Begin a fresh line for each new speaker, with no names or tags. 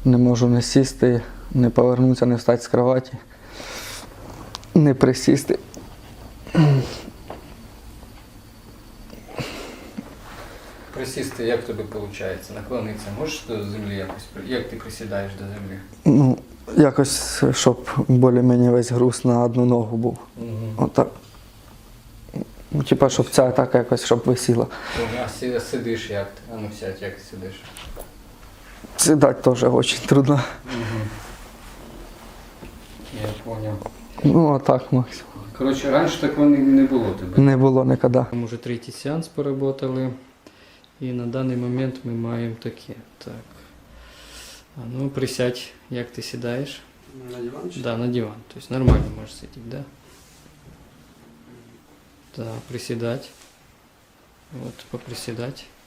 Не можу не сісти, не повернутися, не встати з кроваті, не присісти.
Присісти, як тобі виходить? Наклонитися можеш до землі якось? Як ти присідаєш до землі?
Ну, якось, щоб більш-менш весь груз на одну ногу був. Отак. Ну, типа, щоб ця так якось, щоб висіла.
А сидиш як ти? А ну сядь, як ти сидиш?
Сідати теж дуже трудно.
Я зрозумів.
Ну, отак максимум.
Коротше, раніше такого не було тебе?
Не було ніколи.
Ми вже третій сеанс поработали. І на даний момент ми маємо таке. Так. А ну присядь, як ти сідаєш?
На диван?
Да, на диван. Тобто нормально можеш сидіти, да? Да, приседать. Вот, поприседать.